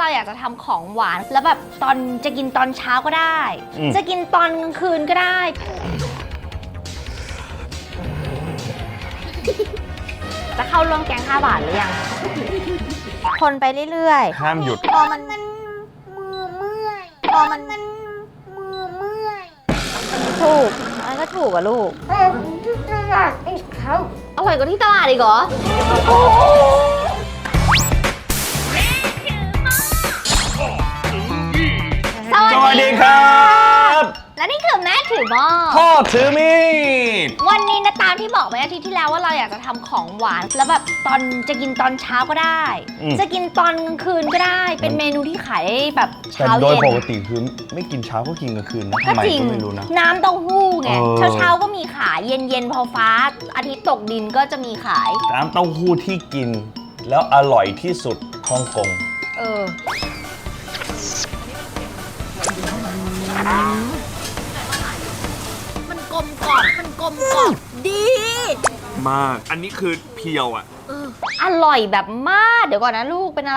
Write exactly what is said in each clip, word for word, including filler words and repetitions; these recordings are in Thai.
เราอยากจะทำของหวานแล้วแบบตอนจะกินตอนเช้าก็ได้จะกินตอนกลางคืนก็ได้จะเข้าร่วมแกงห้าบาทหรือยังคนไปเรื่อยๆห้ามหยุดพอมันมือเมื่อยพอมันมือเมื่อยถูกมันก็ถูกอะลูกเออที่ตลาดอีกเขาอร่อยกว่าที่ตลาดอีกเหรอสสวัวัสสดีดีครับและนี่คือแม่ถือหม้อพ่อถือมีดวันนี้นะตามที่บอกไปอาทิตย์ที่แล้วว่าเราอยากจะทำของหวานแล้วแบบตอนจะกินตอนเช้าก็ได้ จะกินตอนกลางคืนก็ได้เป็นเมนูที่ขายแบบแต่เช้าโดยเย็นปกติคือไม่กินเช้าก็กินกลางคืนนะก็ทำไมจริงก็ไม่รู้นะน้ำเต้าหู้ไงเออเช้าเช้าๆก็มีขายเย็นเย็นๆพอฟ้าอาทิตย์ตกดินก็จะมีขายน้ำเต้าหู้ที่กิน แล้วอร่อยที่สุดฮ่องกงเออมันกลมกล่อมมันกลมกล่อมดีมาก อันนี้คือเพียวอ่ะอร่อยแบบมาก เดี๋ยวก่อนนะลูกเป็นอะไร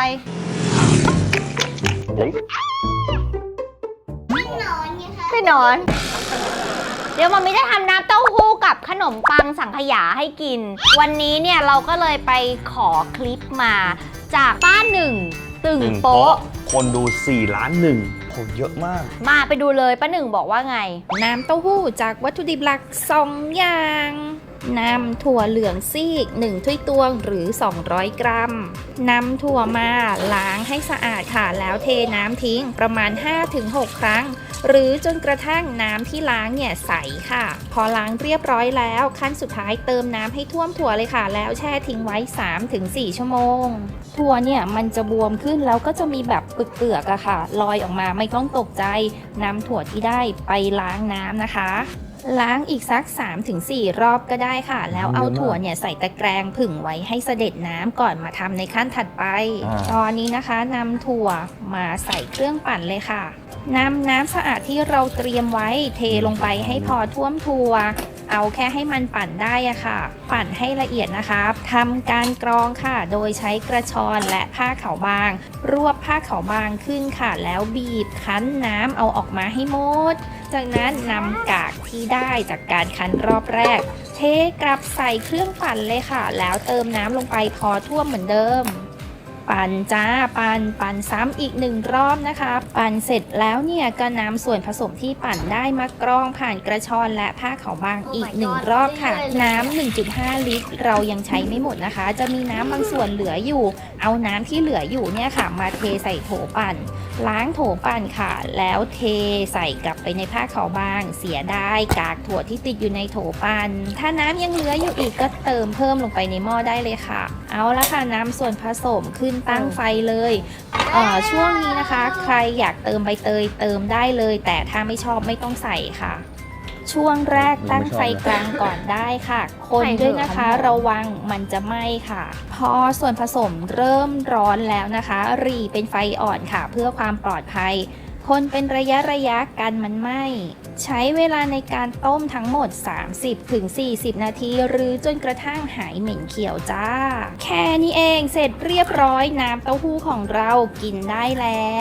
นอนไงคะไปนอน เดี๋ยวมัมมี่จะทำน้ำเต้าหู้กับขนมปังสังขยาให้กิน วันนี้เนี่ยเราก็เลยไปขอคลิปมาจากป้าหนึ่งตึงโป๊ะคนดูสี่ล้านหนึ่งโหเยอะมากมาไปดูเลยป้าหนึ่งบอกว่าไงน้ำเต้าหู้จากวัตถุดิบหลักสองอย่างนำถั่วเหลืองซีกหนึ่งถ้วยตวงหรือสองร้อยกรัมนำถั่วมาล้างให้สะอาดค่ะแล้วเทน้ำทิ้งประมาณ ห้าถึงหก ครั้ง หรือจนกระทั่งน้ำที่ล้างเนี่ยใสค่ะ พอล้างเรียบร้อยแล้วขั้นสุดท้ายเติมน้ำให้ท่วมถั่วเลยค่ะ แล้วแช่ทิ้งไว้ สามถึงสี่ ชั่วโมง ถั่วเนี่ยมันจะบวมขึ้นแล้วก็จะมีแบบเปลือกๆอะค่ะลอยออกมาไม่ต้องตกใจนำถั่วที่ได้ไปล้างน้ำนะคะ ล้างอีกสัก สามถึงสี่ รอบก็ได้ค่ะ แล้วเอาถั่วเนี่ยใส่ตะแกรงผึ่งไว้ให้เสด็จน้ำก่อนมาทำในขั้นถัดไปอ่าตอนนี้นะคะนำถั่วมาใส่เครื่องปั่นเลยค่ะนำน้ำสะอาดที่เราเตรียมไว้เทลงไปให้พอท่วมถั่วเอาแค่ให้มันปั่นได้อะค่ะ ปั่นให้ละเอียดนะคะทำการกรองค่ะ โดยใช้กระชอนและผ้าขาวบาง รวบผ้าขาวบางขึ้นค่ะ แล้วบีบคั้นน้ำเอาออกมาให้หมด จากนั้นนำกากที่ได้จากการคั้นรอบแรก เทกลับใส่เครื่องปั่นเลยค่ะ แล้วเติมน้ำลงไปพอท่วมเหมือนเดิม ปั่นจ้าปั่นปั่นซ้ำอีกหนึ่งรอบนะคะ ปั่นเสร็จแล้วเนี่ยก็นำส่วนผสมที่ปั่นได้มากรองผ่านกระชอนและผ้าขาวบางอีกหนึ่งรอบค่ะ น้ำ หนึ่งจุดห้า ลิตร เรายังใช้ไม่หมดนะคะ จะมีน้ำบางส่วนเหลืออยู่ เอาน้ำที่เหลืออยู่เนี่ยค่ะ มาเทใส่โถปั่น ล้างโถปั่นค่ะ แล้วเทใส่กลับไปในผ้าขาวบาง เสียได้กากถั่วที่ติดอยู่ในโถปั่นถ้าน้ำยังเหลืออยู่อีกก็เติมเพิ่มลงไปในหม้อได้เลยค่ะ เอาละค่ะน้ำส่วนผสมขึ้นตั้งไฟเลยเอ่อช่วงนี้นะคะ ใครอยากเติมใบเตยเติมได้เลย แต่ถ้าไม่ชอบไม่ต้องใส่ค่ะ ช่วงแรกตั้งไฟกลางก่อนได้ค่ะ คนด้วยนะคะระวังมันจะไหม้ค่ะ พอส่วนผสมเริ่มร้อนแล้วนะคะหรี่เป็นไฟอ่อนค่ะ เพื่อความปลอดภัย คนเป็นระยะระยะกันมันไหม้ใช้เวลาในการต้มทั้งหมด สามสิบถึงสี่สิบ นาที หรือจนกระทั่งหายเหม็นเขียวจ้า แค่นี้เองเสร็จเรียบร้อยน้ำเต้าหู้ของเรากินได้แล้ว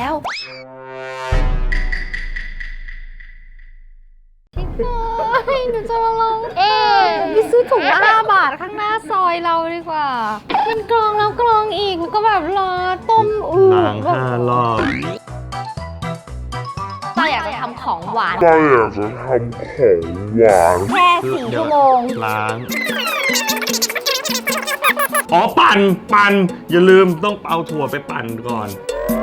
หนูจะมาลองเองไปซื้อถุงละห้าบาทข้างหน้าซอยเราดีกว่า มันกรองแล้วกรองอีก มันก็แบบรอต้มอืดล้างห้ารอบเราอยากจะทำของหวานก็อยากจะทำของหวานแค่สี่ชั่วโมงล้าง อ๋อ ปั่น ปั่น อย่าลืมต้องเอาถั่วไปปั่นก่อน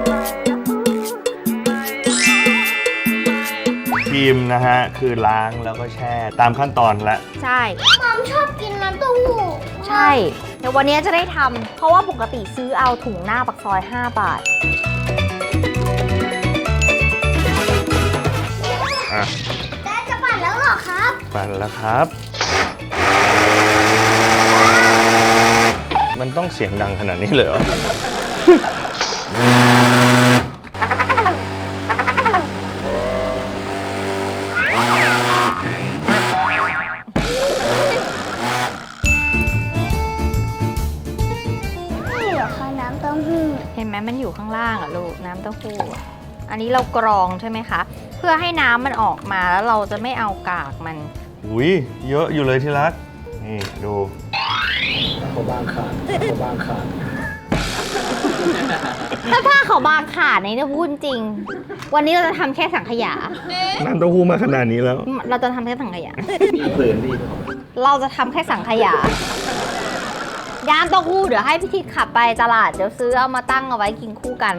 พิมพ์นะฮะ คือล้างแล้วก็แช่ตามขั้นตอนและใช่มอมชอบกินน้ำเต้าหู้ใช่ เดี๋ยววันนี้จะได้ทำ เพราะว่าปกติซื้อเอาถุงหน้าปักซอยห้าบาทอ่ะแต่จะปั่นแล้วเหรอครับปั่นแล้วครับ มันต้องเสียงดังขนาดนี้เลยเหรอนี่เหรอคะน้ำเต้าหู้เห็นไหมมันอยู่ข้างล่างอะลูกน้น้ำเต้าหู้อะอันนี้เรากรองใช่ไหมคะ เพื่อให้น้ำมันออกมาแล้วเราจะไม่เอากากมันอุ้ยเยอะอยู่เลยที่รัก นี่ดูเขาบางขาดเขาบางขาดถ้าผ้าเขาวบางขาดในเนี่ยพูดจริง วันนี้เราจะทำแค่สังขยาน้ำเต้าหู้มาขนาดนี้แล้วเราจะทำแค่สังขยาเผื่อนดีเราจะทำแค่สังขยา ย่างเต้าหู้เดี๋ยวให้พี่ทิศขับไปตลาด เดี๋ยวซื้อเอามาตั้งเอาไว้กินคู่กัน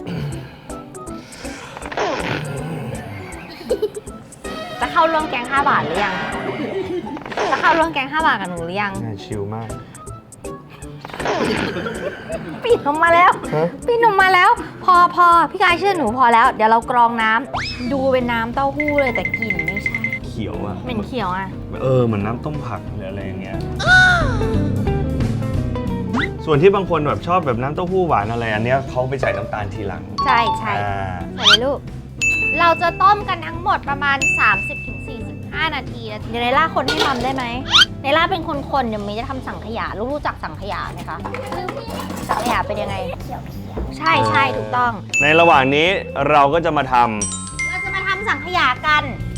จะเข้าร่วมแกงห้าบาทหรือยัง จะเข้าร่วมแกงห้าบาทกับหนูหรือยังน่าชิลมากปีนออกมาแล้วฮะปีนออกมาแล้ว พอพอพี่กายเชื่อหนูพอแล้ว เดี๋ยวเรากรองน้ำดูเป็นน้ำเต้าหู้เลยแต่กลิ่นไม่ใช่เขียวอ่ะเหม็นเขียวอ่ะเออเหมือนน้ำต้มผักหรืออะไรอย่างเงี้ย ส่วนที่บางคนแบบชอบแบบน้ำเต้าหู้หวานอะไร อันเนี้ยเขาไปใส่น้ำตาลทีหลังใช่ใช่อ่าใส่เลยลูก เราจะต้มกันทั้งหมดประมาณ สามสิบถึงสี่สิบห้า นาทีนะเดี๋ยวในล่าคนให้ทำได้ไหมในล่าเป็นคนคนเดี๋ยวมีจะทำสังขยาลูกรู้จักสังขยาไหมคะ สังขยาเป็นยังไง ใช่ใช่ถูกต้องในระหว่างนี้เราก็จะมาทเราจะมาทำสังขยากัน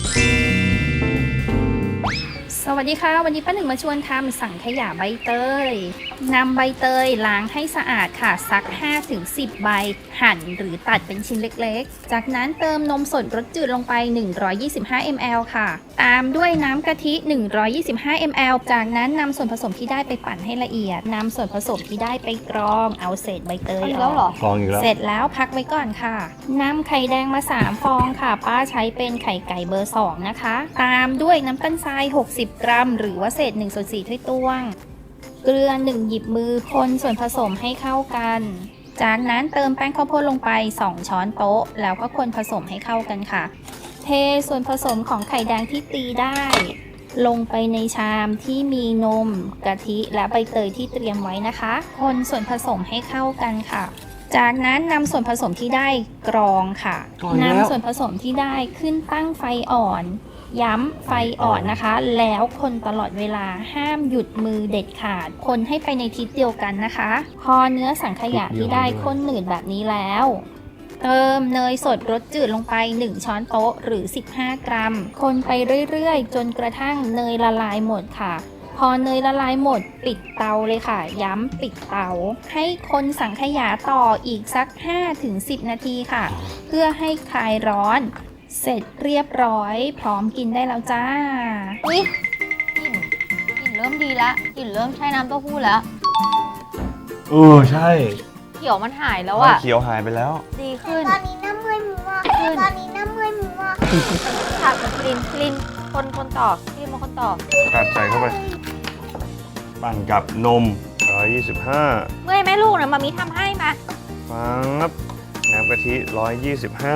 สวัสดีค่ะ วันนี้ป้าหนึ่งมาชวนทำสังขยาใบเตยนำใบเตยล้างให้สะอาดค่ะสัก ห้าถึงสิบ ใบ หั่นหรือตัดเป็นชิ้นเล็กๆ จากนั้นเติมนมสดรสจืดลงไป หนึ่งร้อยยี่สิบห้ามิลลิลิตร ค่ะ ตามด้วยน้ำกะทิ หนึ่งร้อยยี่สิบห้ามิลลิลิตร จากนั้นนำส่วนผสมที่ได้ไปปั่นให้ละเอียดนำส่วนผสมที่ได้ไปกรองเอาเศษใบเตยอันนี้อแล้วเหรอำฟองอีกแล้วเสร็จแล้วพักไว้ก่อนค่ะนำไข่แดงมา สาม ฟองค่ะ ป้าใช้เป็นไข่ไก่เบอร์ สอง นะคะ ตามด้วยน้ำตาลทราย หกสิบ กรัม หรือว่าเศษ หนึ่งส่วนสี่ ถ้วยตวง เกลือ หนึ่ง หยิบมือคนส่วนผสมให้เข้ากัน จากนั้นเติมแป้งข้าวโพดลงไป สอง ช้อนโต๊ะ แล้วก็คนผสมให้เข้ากันค่ะ เทส่วนผสมของไข่แดงที่ตีได้ ลงไปในชามที่มีนมกะทิและใบเตยที่เตรียมไว้นะคะ คนส่วนผสมให้เข้ากันค่ะ จากนั้นนำส่วนผสมที่ได้กรองค่ะกรองแล้วนำส่วนผสมที่ได้ขึ้นตั้งไฟอ่อน ย้ำไฟอ่อนนะคะ แล้วคนตลอดเวลาห้ามหยุดมือเด็ดขาด คนให้ไปในทิศเดียวกันนะคะ พอเนื้อสังขยาที่ได้ข้นหนืดแบบนี้แล้ว เติมเนยสดรสจืดลงไป หนึ่ง ช้อนโต๊ะหรือ สิบห้า กรัม คนไปเรื่อยๆ จนกระทั่งเนยละลายหมดค่ะ พอเนยละลายหมดปิดเตาเลยค่ะ ย้ำปิดเตา ให้คนสังขยาต่ออีกสัก ห้าถึงสิบ นาทีค่ะ เพื่อให้คลายร้อน เสร็จเรียบร้อย พร้อมกินได้แล้วจ้าอุ๊ยกลิ่นกลิ่นเริ่มดีแล้วกลิ่นเริ่มใช้น้ำเต้าหู้แล้วเออใช่เขียวมันหายแล้วมันอะเขียวหายไปแล้วดีขึ้นตอนนี้น้ำเมื่อยมือมากตอนนี้น้ำเมื่อยมือมากค่ะกลิ่นกลิ่นคนคนต่อกลิ่นมาคนต่อกัดใส่เข้าไป ปั่นกับนมหนึ่งร้อยยี่สิบห้าเมื่อยไหมลูกเนี่ยมามีทำให้มาฟับน้ำกะทิหนึ่งร้อยยี่สิบห้า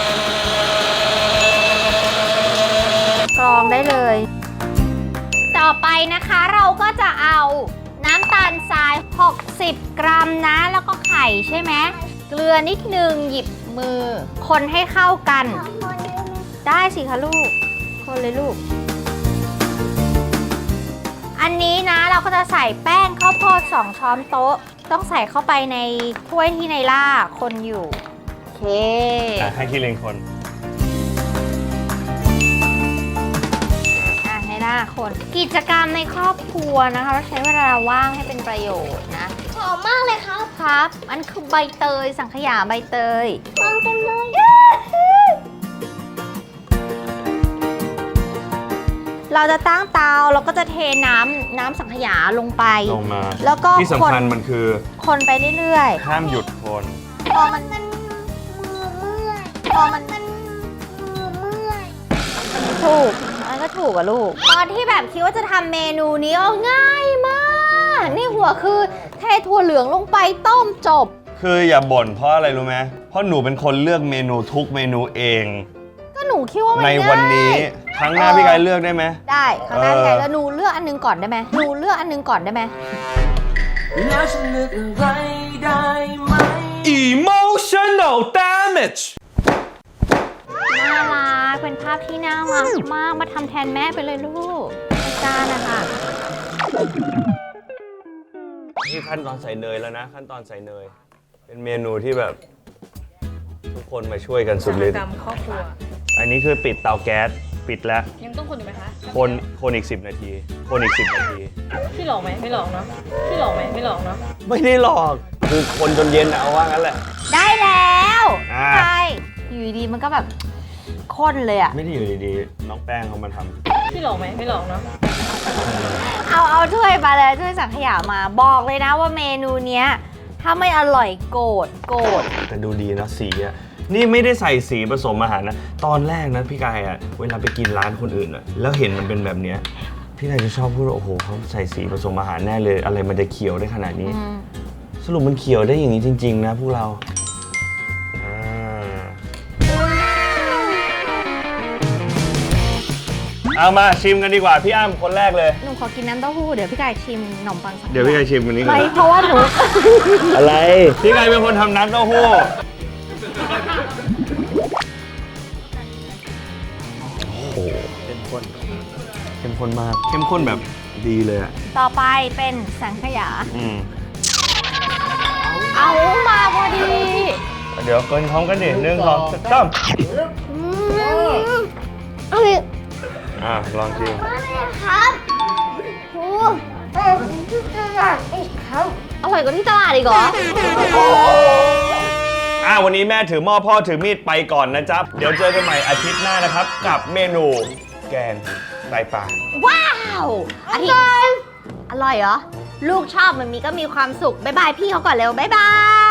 กรองได้เลย ต่อไปนะคะเราก็จะเอาน้ำตาลทราย หกสิบ กรัมนะ แล้วก็ไข่ใช่ไหมเกลือนิดนึงหยิบมือ คนให้เข้ากันขอคนได้ไหมได้สิคะลูก คนเลยลูก อันนี้นะเราก็จะใส่แป้งข้าวโพดสองช้อนโต๊ะ ต้องใส่เข้าไปในถ้วยที่ในล่าคนอยู่ โอเคอ่ะให้พี่เลงคนอ่ะในล่าคน กิจกรรมในครอบครัวนะคะเราใช้เวลาว่างให้เป็นประโยชน์นะหอมมากเลยครับครับ มันคือใบเตย สังขยาใบเตยฟองเต็มเลยเราจะตั้งเตาเราก็จะเทน้ำน้ำสังขยาลงไปลงมาแล้วก็ที่สำคัญมันคือคนไปเรื่อยห้ามหยุดคนๆ พอมันมันมือเมื่อยพอมันมันมือเมื่อยถูกมันก็ถูกอะลูก ตอนที่แบบคิดว่าจะทำเมนูนี้เอาง่ายมาก นี่หัวคือเทถั่วเหลืองลงไปต้มจบคืออย่าบ่นเพราะอะไรรู้ไหมเพราะหนูเป็นคนเลือกเมนูทุกเมนูเองก็หนูคิดว่ามันในง่ายวันนี้ครั้งหน้าพี่กายเลือกได้ไหมได้ครั้งหน้าเออพี่ไก่แล้วหนูเลือกอันหนึงก่อนได้ไหมหนูเลือกอันหนึงก่อนได้ไหมแล้วฉันเลือกอะไรได้ไหม Emotional damage น่ารักเป็นภาพที่น่ารักมากมาทำแทนแม่ไปเลยลูกอาจารย์นะคะนี่ขั้นตอนใส่เนยแล้วนะ ขั้นตอนใส่เนย เป็นเมนูที่แบบทุกคนมาช่วยกันสุดฤทธิ์กรรมครอบครัวอันนี้คือปิดเตาแก๊สปิดแล้วยังต้องคนอยู่ไหมคะคนคนอีกสิบนาที คนอีกสิบนาทีพี่หลอกไหมไม่หลอกเนาะพี่หลอกไหมไม่หลอกเนาะไม่ได้หลอกคือคนจนเย็นเอาว่างั้นแหละได้แล้วอ่าใช่อยู่ดีๆมันก็แบบข้นเลยอะไม่ได้อยู่ดีๆน้องแป้งเขามาทำพี่หลอกไหมไม่หลอกเนาะเอาเอาถ้วยมาเลยถ้วยสังขยามาบอกเลยนะว่าเมนูเนี้ยถ้าไม่อร่อยโกรธโกรธแต่ดูดีนะสีอะนี่ไม่ได้ใส่สีผสมอาหารนะ ตอนแรกนะพี่กายอะเวลาไปกินร้านคนอื่นอะแล้วเห็นมันเป็นแบบเนี้ยพี่กายจะชอบพูดว่าโอ้โหเขาใส่สีผสมอาหารแน่เลย อะไรมันจะเขียวได้ขนาดนี้อืมสรุปมันเขียวได้อย่างนี้จริง ๆ นะพวกเราอ่าเอามาชิมกันดีกว่าพี่อ้ำคนแรกเลยหนูขอกินน้ำเต้าหู้เดี๋ยวพี่กายชิมขนมปังสังขยาเดี๋ยวพี่กายชิมกันนี้ก่อนไม่เพราะว่าหนูอะไรพี่กายเป็นคนทำน้ำเต้าหู้โอ้โหเข้มข้นเข้มข้นมากเข้มข้นแบบดีเลยอะต่อไปเป็นสังขยาอืมเอามาพอดีเดี๋ยวกินพร้อมกันดิหนึ่งสองสามอืมเอ้ยอ่ะลองชิมครับโอ้เออที่ตลาดอีกครับอร่อยกว่าที่ตลาดอีกเหรออ่ะวันนี้แม่ถือหม้อพ่อถือมีดไปก่อนนะจ๊ะเดี๋ยวเจอกันใหม่อาทิตย์หน้านะครับ กับเมนูแกงไตปลาว้าวอาทิตย์อร่อยเหรอ ลูกชอบมันมีก็มีความสุข บ๊ายบายพี่เขาก่อนเร็ว บ๊ายบาย